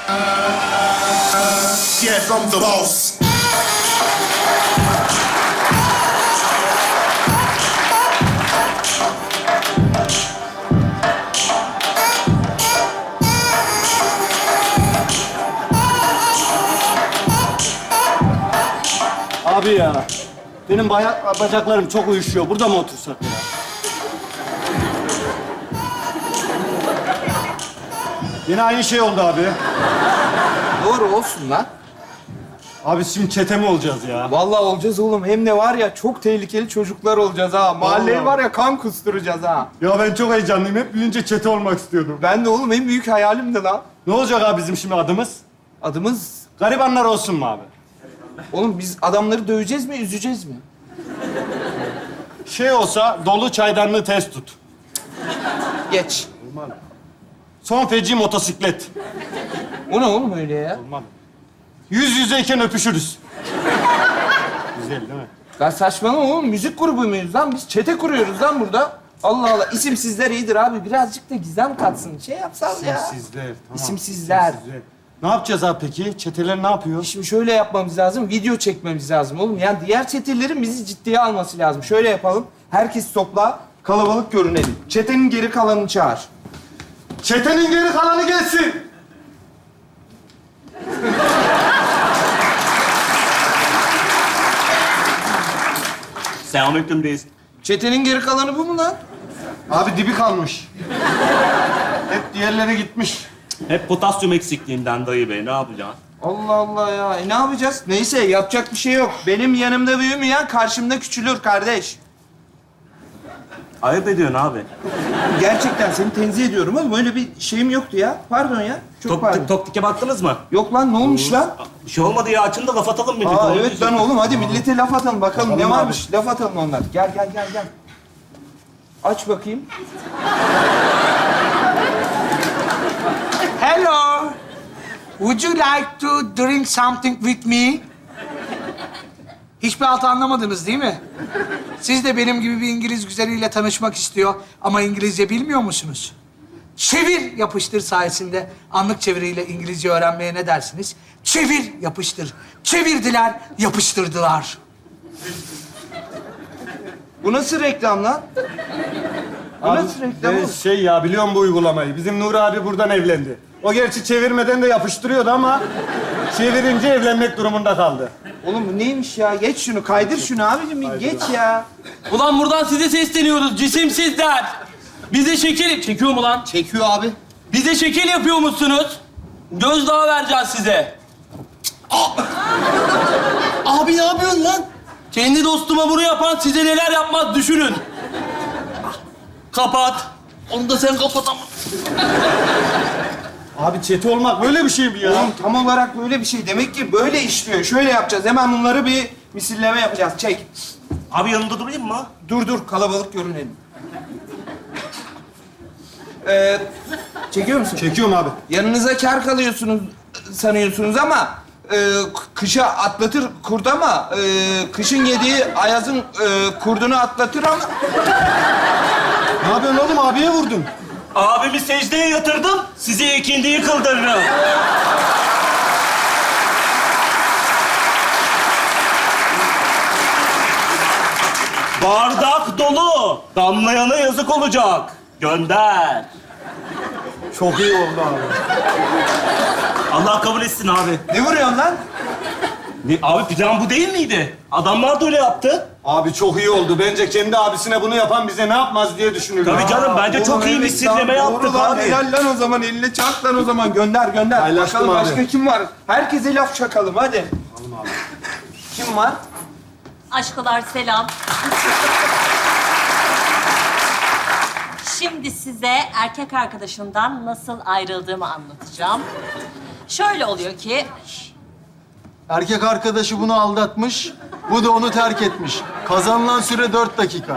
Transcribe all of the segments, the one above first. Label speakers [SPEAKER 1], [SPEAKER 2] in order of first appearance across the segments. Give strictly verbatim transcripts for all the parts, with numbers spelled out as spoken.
[SPEAKER 1] Yeah, from the boss.
[SPEAKER 2] Abi ya, benim bayak, bacaklarım çok uyuşuyor. Burada mı otursak ya? Yine aynı şey oldu abi.
[SPEAKER 3] Doğru olsun lan.
[SPEAKER 2] Abi şimdi çete mi olacağız ya?
[SPEAKER 3] Vallahi olacağız oğlum. Hem de var ya çok tehlikeli çocuklar olacağız ha. Mahalleyi
[SPEAKER 2] Vallahi.
[SPEAKER 3] var ya kan kusturacağız ha.
[SPEAKER 2] Ya ben çok heyecanlıyım. Hep büyüyünce çete olmak istiyordum.
[SPEAKER 3] Ben de oğlum en büyük hayalimdi lan.
[SPEAKER 2] Ne olacak abi bizim şimdi adımız?
[SPEAKER 3] Adımız...
[SPEAKER 2] Garibanlar olsun mu abi?
[SPEAKER 3] Oğlum biz adamları döveceğiz mi, üzeceğiz mi?
[SPEAKER 2] Şey olsa dolu çaydanlığı test tut.
[SPEAKER 3] Geç.
[SPEAKER 2] Son feci motosiklet.
[SPEAKER 3] O ne oğlum öyle ya?
[SPEAKER 2] Olmadı. Yüz yüzeyken öpüşürüz. Güzel değil mi?
[SPEAKER 3] Ya saçmalama oğlum. Müzik grubu muyuz lan? Biz çete kuruyoruz lan burada. Allah Allah. İsimsizler iyidir abi. Birazcık da gizem katsın. Şey yapsal ya.
[SPEAKER 2] İsimsizler. Tamam.
[SPEAKER 3] İsimsizler.
[SPEAKER 2] İsimsizler. Ne yapacağız abi peki? Çeteler ne yapıyor?
[SPEAKER 3] Şimdi şöyle yapmamız lazım. Video çekmemiz lazım oğlum. Yani diğer çetelerin bizi ciddiye alması lazım. Şöyle yapalım. Herkes topla. Kalabalık görünelim. Çetenin geri kalanını çağır.
[SPEAKER 2] Çetenin geri kalanı gelsin.
[SPEAKER 4] Selamünaleyküm reis.
[SPEAKER 3] Çetenin geri kalanı bu mu lan?
[SPEAKER 2] Abi dibi kalmış. Hep diğerleri gitmiş.
[SPEAKER 4] Hep potasyum eksikliğinden dayı bey. Ne yapacaksın?
[SPEAKER 3] Allah Allah ya. E ne yapacağız? Neyse yapacak bir şey yok. Benim yanımda büyümeyen karşımda küçülür kardeş.
[SPEAKER 4] Ayıp ediyorsun abi.
[SPEAKER 3] Gerçekten seni tenzih ediyorum oğlum. Öyle bir şeyim yoktu ya. Pardon ya. Çok
[SPEAKER 4] Tok,
[SPEAKER 3] pardon.
[SPEAKER 4] Toktike baktınız mı?
[SPEAKER 3] Yok lan ne olmuş lan?
[SPEAKER 4] Bir şey olmadı ya. Açın da laf atalım millete.
[SPEAKER 3] Aa
[SPEAKER 4] Onu
[SPEAKER 3] evet
[SPEAKER 4] diyeceğim.
[SPEAKER 3] lan oğlum hadi millete laf atalım bakalım ne
[SPEAKER 2] Atalım
[SPEAKER 3] varmış. Laf atalım onlar. Gel gel gel gel. Aç bakayım.
[SPEAKER 5] Hello. Would you like to drink something with me? Hiçbir halt anlamadınız değil mi? Siz de benim gibi bir İngiliz güzeliyle tanışmak istiyor ama İngilizce bilmiyor musunuz? Çevir yapıştır sayesinde anlık çeviriyle İngilizce öğrenmeye ne dersiniz? Çevir yapıştır. Çevirdiler, yapıştırdılar.
[SPEAKER 3] Bu nasıl reklam lan? Bu
[SPEAKER 2] Abi,
[SPEAKER 3] nasıl reklam
[SPEAKER 2] ben
[SPEAKER 3] oğlum?
[SPEAKER 2] şey ya biliyorum bu uygulamayı. Bizim Nuri abi buradan evlendi. O gerçi çevirmeden de yapıştırıyordu ama çevirince evlenmek durumunda kaldı.
[SPEAKER 3] Oğlum bu neymiş ya? Geç şunu, kaydır şunu abicim. bir Geç ya.
[SPEAKER 6] Ulan buradan size sesleniyoruz cisimsizler. Bize şekil... Çekiyor mu lan?
[SPEAKER 3] Çekiyor abi.
[SPEAKER 6] Bize şekil yapıyormuşsunuz. Gözdağı vereceğiz size.
[SPEAKER 3] Abi ne yapıyorsun lan?
[SPEAKER 6] Kendi dostuma bunu yapan size neler yapmaz düşünün. Kapat. Onu da sen kapat ama.
[SPEAKER 2] Abi çete olmak böyle bir şey mi ya?
[SPEAKER 3] Oğlum tam olarak böyle bir şey. Demek ki böyle işliyor. Şöyle yapacağız. Hemen bunları bir misilleme yapacağız. Çek.
[SPEAKER 4] Abi yanında durayım mı?
[SPEAKER 3] Dur dur. Kalabalık görünelim. Ee, çekiyor musun?
[SPEAKER 2] Çekiyorum abi.
[SPEAKER 3] Yanınıza kar kalıyorsunuz sanıyorsunuz ama e, kışa atlatır kurt ama e, kışın yediği ayazın e, kurdunu atlatır ama
[SPEAKER 2] Ne yapıyorsun oğlum? Abiye vurdun.
[SPEAKER 4] Abimi secdeye yatırdım. Size ikindiyi kıldırırım. Bardak dolu. Damlayana yazık olacak. Gönder.
[SPEAKER 2] Çok iyi oldu abi.
[SPEAKER 4] Allah kabul etsin abi.
[SPEAKER 3] ne vuruyorsun lan?
[SPEAKER 4] Ne, abi plan bu değil miydi? Adamlar da öyle yaptı.
[SPEAKER 2] Abi çok iyi oldu. Bence kendi abisine bunu yapan bize ne yapmaz diye düşünüyorum.
[SPEAKER 4] Tabii canım bence
[SPEAKER 3] Oğlum,
[SPEAKER 4] çok iyi bir
[SPEAKER 3] evet
[SPEAKER 4] sirleme
[SPEAKER 3] lan,
[SPEAKER 4] yaptık
[SPEAKER 3] doğru lan.
[SPEAKER 4] abi.
[SPEAKER 3] Helal lan o zaman. Eline çak lan o zaman. Gönder gönder.
[SPEAKER 2] Paylaştım
[SPEAKER 3] Bakalım
[SPEAKER 2] abi.
[SPEAKER 3] başka kim var? Herkese laf çakalım hadi. Kim var?
[SPEAKER 7] Aşkolar selam. Şimdi size erkek arkadaşımdan nasıl ayrıldığımı anlatacağım. Şöyle oluyor ki...
[SPEAKER 8] Erkek arkadaşı bunu aldatmış, bu da onu terk etmiş. Kazanılan süre dört dakika.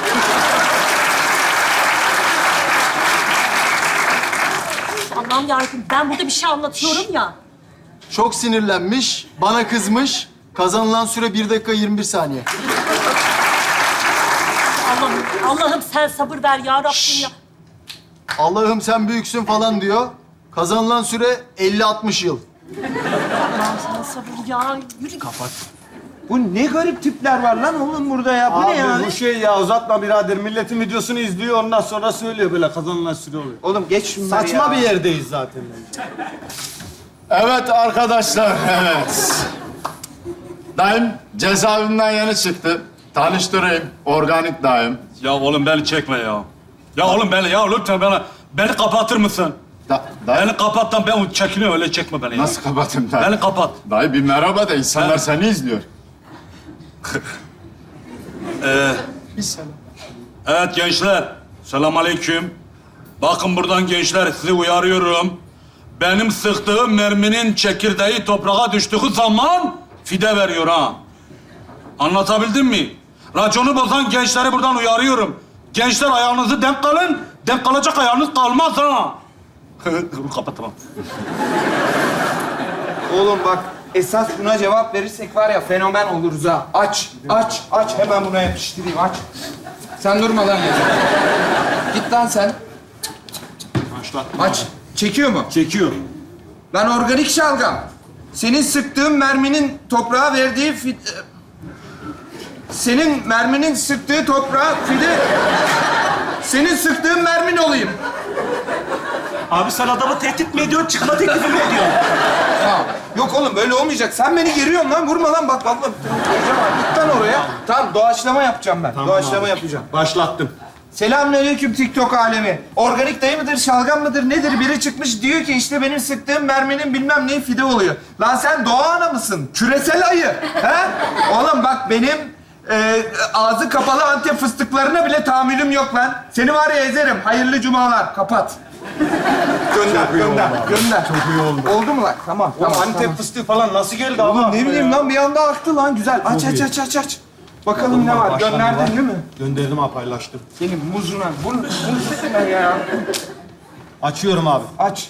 [SPEAKER 7] Allah'ım yarabbim ben burada bir şey anlatıyorum ya.
[SPEAKER 8] Çok sinirlenmiş, bana kızmış. Kazanılan süre bir dakika yirmi bir saniye.
[SPEAKER 7] Allah'ım, Allah'ım sen sabır ver ya Rabbim ya.
[SPEAKER 8] Allah'ım sen büyüksün falan diyor. Kazanılan süre elli altmış yıl.
[SPEAKER 7] Allah'ım sana sabır ya. Yürü.
[SPEAKER 3] Bu ne garip tipler var lan oğlum burada ya. Bu
[SPEAKER 2] Abi
[SPEAKER 3] ne ya?
[SPEAKER 2] bu şey ya uzatma birader. Milletin videosunu izliyor ondan sonra söylüyor böyle kazanılan süre oluyor.
[SPEAKER 3] Oğlum geç şunları
[SPEAKER 2] Saçma
[SPEAKER 3] ya.
[SPEAKER 2] bir yerdeyiz zaten.
[SPEAKER 9] Evet arkadaşlar, evet. Daim cezaevinden yeni çıktı. Tanıştırayım, organik daim.
[SPEAKER 4] Ya oğlum beni çekme ya. Ya oğlum beni, ya lütfen beni, beni kapatır mısın?
[SPEAKER 9] Da, daim,
[SPEAKER 4] Beni kapat lan, ben çekiniyorum, öyle çekme beni ya.
[SPEAKER 9] nasıl kapatayım daim?
[SPEAKER 4] Beni kapat.
[SPEAKER 9] Dayı bir merhaba de, insanlar
[SPEAKER 4] Ha?
[SPEAKER 9] seni izliyor.
[SPEAKER 4] Evet gençler, selamünaleyküm. Bakın buradan gençler, sizi uyarıyorum. Benim sıktığım merminin çekirdeği toprağa düştüğü zaman fide veriyor ha. Anlatabildim mi? Raconu bozan gençleri buradan uyarıyorum. Gençler ayağınızı denk kalın, denk kalacak ayağınız kalmaz ha. Kapat tamam.
[SPEAKER 3] Oğlum bak esas buna cevap verirsek var ya fenomen oluruz ha. Aç, aç, aç. Hemen buna yapıştırayım aç. Sen durma lan ya. Git lan sen.
[SPEAKER 2] Başla.
[SPEAKER 3] Aç. Çekiyor mu?
[SPEAKER 2] Çekiyor.
[SPEAKER 3] Lan organik şalgam. Senin sıktığın merminin toprağa verdiği fi... Senin merminin sıktığı toprağa fide... Senin sıktığın mermin olayım.
[SPEAKER 4] Abi sen adamı tehdit mi ediyorsun, çıkma teklifi mi ediyorsun?
[SPEAKER 3] Tamam. Yok oğlum böyle olmayacak. Sen beni geriyorsun lan. Vurma lan bak vallahi. Vuracağım abi. Git lan oraya. Tamam doğaçlama yapacağım ben. doğaçlama
[SPEAKER 2] abi.
[SPEAKER 3] yapacağım.
[SPEAKER 2] Başlattım.
[SPEAKER 3] Selamünaleyküm TikTok alemi. Organik dayı mıdır, şalgam mıdır, nedir? Biri çıkmış diyor ki işte benim sıktığım merminin bilmem neyi fide oluyor. Lan sen doğa ana mısın? Küresel ayı. He? Oğlum bak benim e, ağzı kapalı Antep fıstıklarına bile tahammülüm yok lan. Seni var ya ezerim. Hayırlı cumalar. Kapat. Gönder, gönder, gönder.
[SPEAKER 2] Çok iyi oldu.
[SPEAKER 3] Oldu mu lan? Tamam,
[SPEAKER 2] Tamam,
[SPEAKER 3] tamam.
[SPEAKER 2] Antep
[SPEAKER 3] tamam.
[SPEAKER 2] fıstığı falan nasıl geldi
[SPEAKER 3] Oğlum
[SPEAKER 2] ama?
[SPEAKER 3] ne bileyim lan bir anda aktı lan. Güzel. Aç, aç, aç, aç, aç. Bakalım ne var? Gönderdin değil mi?
[SPEAKER 2] Gönderdim abi, paylaştım.
[SPEAKER 3] Senin muzuna, bunu, muzuna ya.
[SPEAKER 2] Açıyorum abi.
[SPEAKER 3] Aç.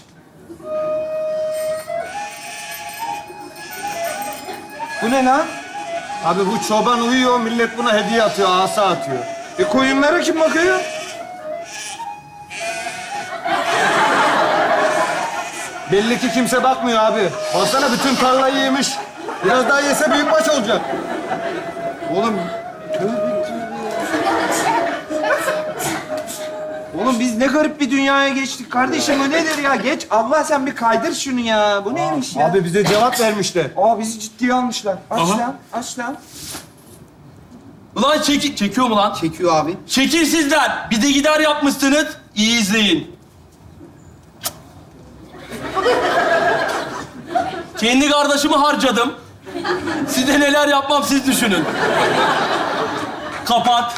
[SPEAKER 3] Bu ne lan?
[SPEAKER 2] Abi bu çoban uyuyor, millet buna hediye atıyor, asa atıyor.
[SPEAKER 3] E koyunlara kim bakıyor?
[SPEAKER 2] Belli ki kimse bakmıyor abi. Baksana bütün tarlayı yemiş. Biraz daha yese büyükbaş olacak.
[SPEAKER 3] Oğlum, tövbe Oğlum biz ne garip bir dünyaya geçtik kardeşim. Bu nedir ya? Geç. Allah sen bir kaydır şunu ya. Bu neymiş ya?
[SPEAKER 2] Abi bize cevap vermişler.
[SPEAKER 3] Aa bizi ciddiye almışlar. Aç
[SPEAKER 4] Aha.
[SPEAKER 3] lan, aç lan.
[SPEAKER 6] Ulan çeki... Çekiyor mu lan?
[SPEAKER 3] Çekiyor abi.
[SPEAKER 6] Şekilsizler. Bir de gider yapmışsınız. İyi izleyin. Kendi kardeşimi harcadım. Size neler yapmam siz düşünün. Kapat.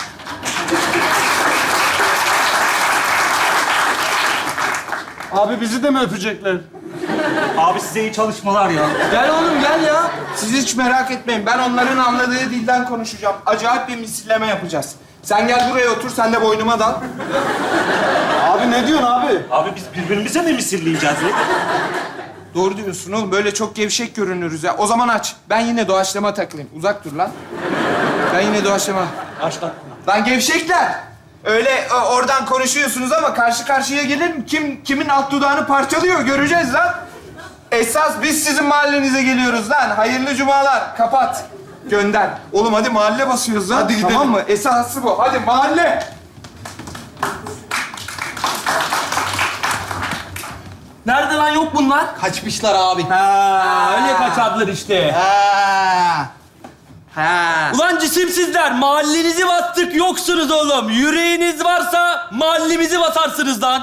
[SPEAKER 2] Abi bizi de mi öpecekler?
[SPEAKER 4] Abi size iyi çalışmalar ya.
[SPEAKER 3] Gel oğlum gel ya. Siz hiç merak etmeyin. Ben onların anladığı dilden konuşacağım. Acayip bir misilleme yapacağız. Sen gel buraya otur, sen de boynuma dal.
[SPEAKER 2] Abi ne diyorsun abi?
[SPEAKER 4] Abi biz birbirimize mi misilleyeceğiz ya?
[SPEAKER 3] Doğru diyorsun oğlum. Böyle çok gevşek görünürüz ya. O zaman aç. Ben yine doğaçlama takılayım. Uzak dur lan. Ben yine doğaçlama.
[SPEAKER 4] Başla.
[SPEAKER 3] Lan gevşekler. Öyle e, oradan konuşuyorsunuz ama karşı karşıya gelin kim kimin alt dudağını parçalıyor göreceğiz lan. Esas biz sizin mahallenize geliyoruz lan. Hayırlı cumalar. Kapat. Gönder. Oğlum hadi mahalle basıyoruz lan.
[SPEAKER 2] Hadi gidelim.
[SPEAKER 3] Tamam mı? Esası bu. Hadi mahalle.
[SPEAKER 6] Nerede lan yok bunlar?
[SPEAKER 5] Kaçmışlar abi.
[SPEAKER 6] Ha, öyle kaçardılar işte.
[SPEAKER 5] Ha.
[SPEAKER 3] Ha.
[SPEAKER 6] Ulan cisimsizler, mahallenizi bastık yoksunuz oğlum. Yüreğiniz varsa mahallemizi basarsınız lan.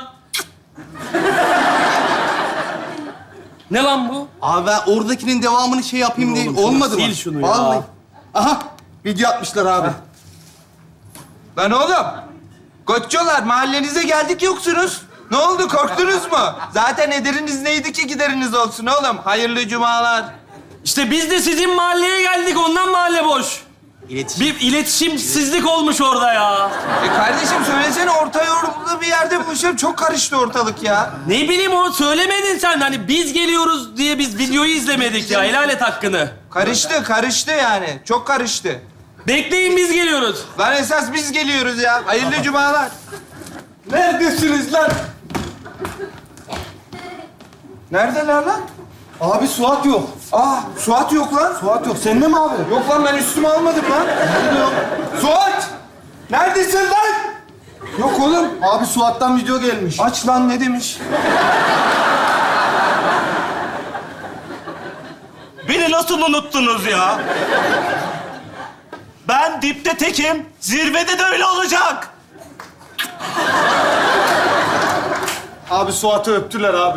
[SPEAKER 6] Ne lan bu?
[SPEAKER 5] Abi ben oradakinin devamını şey yapayım diye olmadı mı?
[SPEAKER 6] Sil şunu ya.
[SPEAKER 5] Vallahi. Aha video atmışlar abi.
[SPEAKER 3] Lan oğlum. Koççular mahallenize geldik yoksunuz. Ne oldu korktunuz mu? Zaten ederiniz neydi ki gideriniz olsun oğlum. Hayırlı cumalar.
[SPEAKER 6] İşte biz de sizin mahalleye geldik, ondan mahalle boş.
[SPEAKER 5] İletişim.
[SPEAKER 6] Bir iletişimsizlik olmuş orada ya.
[SPEAKER 3] E kardeşim söylesene orta yolda bir yerde buluşalım. Çok karıştı ortalık ya.
[SPEAKER 6] Ne bileyim onu söylemedin sen. Hani biz geliyoruz diye biz videoyu izlemedik ya. Helal et hakkını.
[SPEAKER 3] Karıştı, karıştı yani. Çok karıştı.
[SPEAKER 6] Bekleyin biz geliyoruz.
[SPEAKER 3] Lan esas biz geliyoruz ya. Hayırlı cumalar.
[SPEAKER 2] Neredesiniz lan?
[SPEAKER 3] Neredeler lan?
[SPEAKER 2] Abi Suat yok.
[SPEAKER 3] Aa, Suat yok lan.
[SPEAKER 2] Suat yok. Sende mi abi?
[SPEAKER 3] Yok lan, ben üstüme almadım lan. Suat! Neredesin lan? Yok oğlum.
[SPEAKER 2] Abi Suat'tan video gelmiş.
[SPEAKER 3] Aç lan, ne demiş?
[SPEAKER 10] Beni nasıl unuttunuz ya? Ben dipte tekim, zirvede de öyle olacak.
[SPEAKER 2] Abi Suat'ı öptüler abi.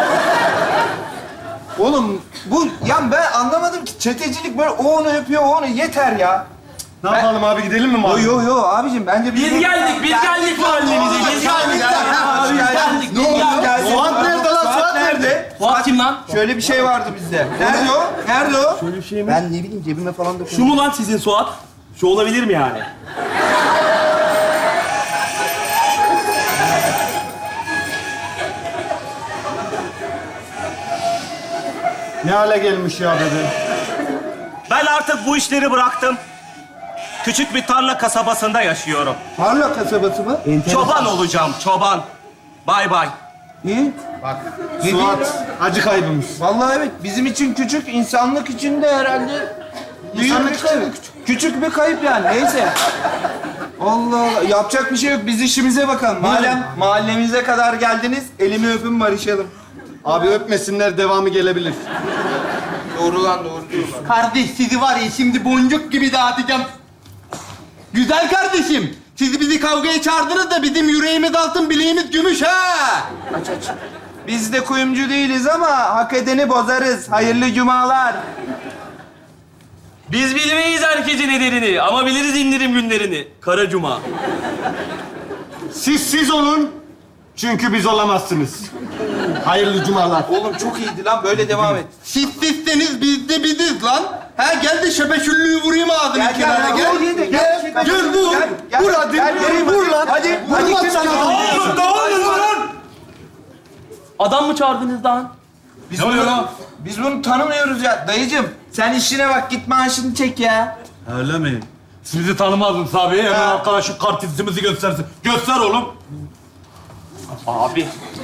[SPEAKER 3] Oğlum bu, ya ben anlamadım ki çetecilik böyle o onu yapıyor, o onu yeter ya.
[SPEAKER 2] Ne yapalım abi, gidelim mi
[SPEAKER 3] Yo
[SPEAKER 2] mahalle?
[SPEAKER 3] yo yo abicim, bence
[SPEAKER 6] Biz geldik, biz geldik mahallemize. Biz geldik.
[SPEAKER 3] Abi geldik.
[SPEAKER 2] Ne oldu? Suat nerede lan? Suat nerede?
[SPEAKER 6] Fuat kim lan?
[SPEAKER 3] Şöyle bir şey vardı bizde. Nerede o? Nerede o?
[SPEAKER 10] Ben ne bileyim, cebime falan da
[SPEAKER 6] Şu mu lan sizin Suat? Şu olabilir mi yani?
[SPEAKER 2] Ne hale gelmiş ya dedi.
[SPEAKER 10] Ben artık bu işleri bıraktım. Küçük bir tarla kasabasında yaşıyorum.
[SPEAKER 3] Tarla kasabası mı?
[SPEAKER 10] Çoban olacağım, çoban. Bay bay.
[SPEAKER 3] Niye? Ne
[SPEAKER 2] Suat acı kaybımız.
[SPEAKER 3] Vallahi evet, bizim için küçük, insanlık için de herhalde büyük
[SPEAKER 2] İnsanlık
[SPEAKER 3] bir kayıp. Küçük, küçük bir kayıp yani, neyse. Allah Allah, yapacak bir şey yok. Biz işimize bakalım. Madem mahallemize kadar geldiniz, elimi öpün, barışalım.
[SPEAKER 2] Abi öpmesinler, devamı gelebilir.
[SPEAKER 3] Doğru lan, doğru diyorlar.
[SPEAKER 8] Kardeş sizi var ya şimdi boncuk gibi dağıtacağım. Güzel kardeşim. Siz bizi kavgaya çağırdınız da bizim yüreğimiz altın, bileğimiz gümüş ha.
[SPEAKER 3] Aç aç. Biz de kuyumcu değiliz ama hak edeni bozarız. Hayırlı cumalar.
[SPEAKER 6] Biz bilmeyiz herkesin ederini ama biliriz indirim günlerini. Kara Cuma.
[SPEAKER 2] Siz siz olun. Çünkü biz olamazsınız. Hayırlı cumalar.
[SPEAKER 3] Oğlum çok iyiydi lan, böyle devam et.
[SPEAKER 8] Siz sizseniz biz de biziz lan. Ha gel de şebeşüllüğü vurayım ağzını
[SPEAKER 3] Gel gel
[SPEAKER 8] kenara
[SPEAKER 3] gel.
[SPEAKER 8] gel.
[SPEAKER 3] Gel
[SPEAKER 8] Gel,
[SPEAKER 3] gel.
[SPEAKER 8] gel vur.
[SPEAKER 3] Gel, gel,
[SPEAKER 8] Vur hadi.
[SPEAKER 3] gel, vereyim,
[SPEAKER 8] Vur
[SPEAKER 3] hadi.
[SPEAKER 8] lan.
[SPEAKER 3] Hadi.
[SPEAKER 8] Vur
[SPEAKER 3] Hadi
[SPEAKER 8] lan
[SPEAKER 3] kim
[SPEAKER 8] sana.
[SPEAKER 3] çağırdı?
[SPEAKER 4] Oğlum dağılın lan!
[SPEAKER 6] Adam mı çağırdınız lan?
[SPEAKER 3] Biz
[SPEAKER 4] Ne oluyor
[SPEAKER 3] bunu-
[SPEAKER 4] lan?
[SPEAKER 3] Biz bunu tanımıyoruz ya. Dayıcım sen işine bak, git maaşını çek ya.
[SPEAKER 4] Öyle mi? Siz bizi tanımadınız abi. Hemen
[SPEAKER 3] Ha.
[SPEAKER 4] arkadaşım kartizimizi göstersin. Göster oğlum.
[SPEAKER 6] Abi.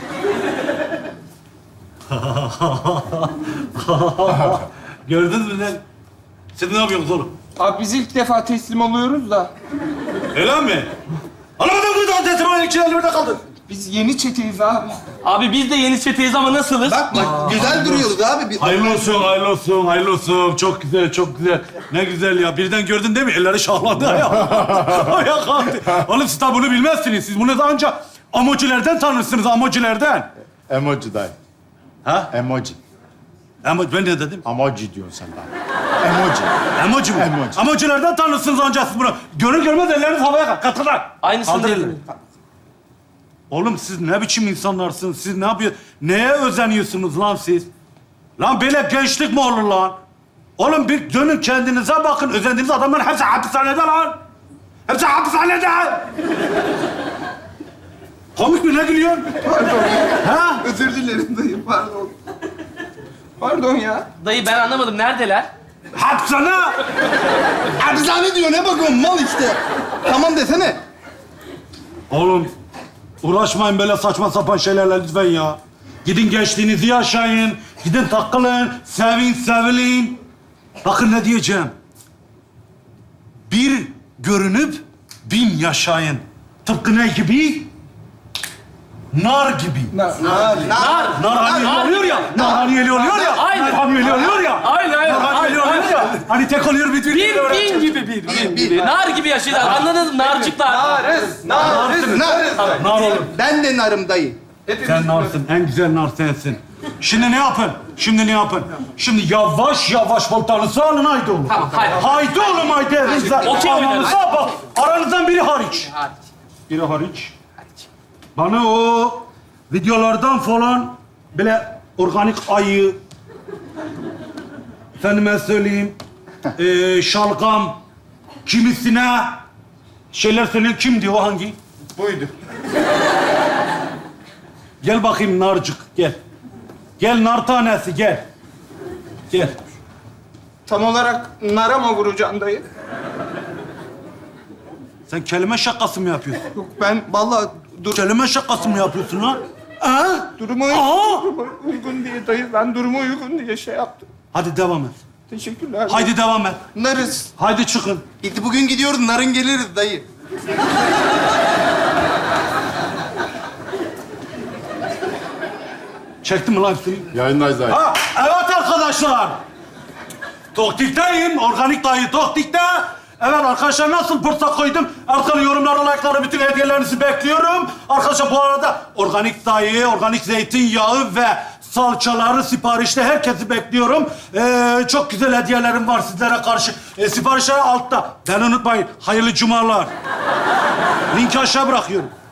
[SPEAKER 4] Gördünüz mü lan? Siz ne yapıyorsunuz oğlum?
[SPEAKER 3] Abi biz ilk defa teslim oluyoruz da.
[SPEAKER 4] Öyle mi? Anlamadım bu da teslim olan iki elimde kaldı.
[SPEAKER 3] Biz yeni çeteyiz abi.
[SPEAKER 6] Abi biz de yeni çeteyiz ama nasılız?
[SPEAKER 8] Bak bak güzel duruyoruz abi. Bir-
[SPEAKER 4] Hayırlı olsun, hayırlı olsun, hayırlı olsun. Çok güzel, çok güzel. Ne güzel ya. Birden gördün değil mi? Elleri şahladı ya. Ayağa kalktı. Oğlum siz tabi bunu bilmezsiniz. Siz bunu da ancak amocilerden tanırsınız, amocilerden.
[SPEAKER 9] Emoji dayı.
[SPEAKER 4] Ha?
[SPEAKER 9] Emoji.
[SPEAKER 4] Ama ben ne dedim?
[SPEAKER 9] Emoji diyorsun sen bana. Emoji.
[SPEAKER 4] Emoji mi?
[SPEAKER 9] Emoji.
[SPEAKER 4] Amocilerden tanırsınız ancak siz bunu. Görür görmez elleriniz havaya kalk. Katılar.
[SPEAKER 6] Aynısını
[SPEAKER 4] Kaldır
[SPEAKER 6] dedim.
[SPEAKER 4] elleri. Oğlum siz ne biçim insanlarsınız? Siz ne yapıyor? Neye özeniyorsunuz lan siz? Lan böyle gençlik mi olur lan? Oğlum bir dönün kendinize bakın. Özendiğiniz adamların hepsi hapishanede lan. Hepsi hapishanede. Komik mi? Ne gülüyorsun? Ha?
[SPEAKER 3] Özür dilerim dayı, pardon. Pardon ya.
[SPEAKER 6] Dayı ben anlamadım. Neredeler?
[SPEAKER 4] Hapishane.
[SPEAKER 8] Hapishane diyor, ne bakıyorsun mal işte. Tamam desene.
[SPEAKER 4] Oğlum uğraşmayın böyle saçma sapan şeylerle lütfen ya. Gidin gençliğinizi yaşayın. Gidin takılın. Sevin, sevilin. Bakın ne diyeceğim. Bir görünüp bin yaşayın. Tıpkı ne gibi? Nar gibi.
[SPEAKER 3] Na, na,
[SPEAKER 6] Nar.
[SPEAKER 4] Nar hamiyeli oluyor ya. Nar hamiyeli oluyor ya.
[SPEAKER 6] Aynen.
[SPEAKER 4] Nar hamiyeli oluyor ya.
[SPEAKER 6] Aynen aynen.
[SPEAKER 4] Nar hamiyeli
[SPEAKER 6] aynen,
[SPEAKER 4] oluyor ya. Hani tek oluyor bir bir.
[SPEAKER 6] Bir bin gibi bir, bin gibi. Nar gibi yaşıyorlar. Anladınız mı? Narcıklar.
[SPEAKER 3] narız, narız, narız.
[SPEAKER 4] Nar oğlum.
[SPEAKER 8] Ben de narım dayı.
[SPEAKER 4] Sen narsın, en güzel nar sensin. Şimdi ne yapın? Şimdi ne yapın? Şimdi yavaş yavaş voltanızı alın haydi oğlum.
[SPEAKER 6] Tamam, haydi.
[SPEAKER 4] Haydi oğlum haydi. Elinize
[SPEAKER 6] Okey oynarız.
[SPEAKER 4] almanıza bak. Aranızdan biri hariç. Biri hariç. Bana o videolardan falan böyle organik ayı, efendime söyleyeyim, eee şalgam, kimisine şeyler söyleyen kimdi o hangi?
[SPEAKER 2] Buydu.
[SPEAKER 4] Gel bakayım narcık, gel. Gel nar tanesi, gel. Gel.
[SPEAKER 3] Tam olarak nara mı vuracaksın dayı?
[SPEAKER 4] Sen kelime şakası mı yapıyorsun?
[SPEAKER 3] Yok ben vallahi dur.
[SPEAKER 4] Kelime şakası mı yapıyorsun lan?
[SPEAKER 8] Ha?
[SPEAKER 3] Durumu,
[SPEAKER 8] Aa!
[SPEAKER 3] durumu uygun diye dayı. Ben durumu uygun diye şey yaptım.
[SPEAKER 8] Hadi devam et.
[SPEAKER 3] Teşekkürler.
[SPEAKER 8] Haydi devam et.
[SPEAKER 9] Narız.
[SPEAKER 8] Haydi çıkın.
[SPEAKER 9] İlk bugün gidiyoruz, narın geliriz dayı.
[SPEAKER 8] Çektin mi lan suyu?
[SPEAKER 9] Yayındayız dayı.
[SPEAKER 4] Ha, evet arkadaşlar. Toktik'teyim, organik dayı Toktik'te. Evet arkadaşlar nasıl pırsa koydum? Arkalı yorumları, like'ları, bütün hediyelerinizi bekliyorum. Arkadaşlar bu arada organik dayı, organik zeytinyağı ve salçaları siparişte herkesi bekliyorum. Ee, çok güzel hediyelerim var sizlere karşı. Ee, siparişler altta. Beni unutmayın. Hayırlı cumalar. Linki aşağı bırakıyorum.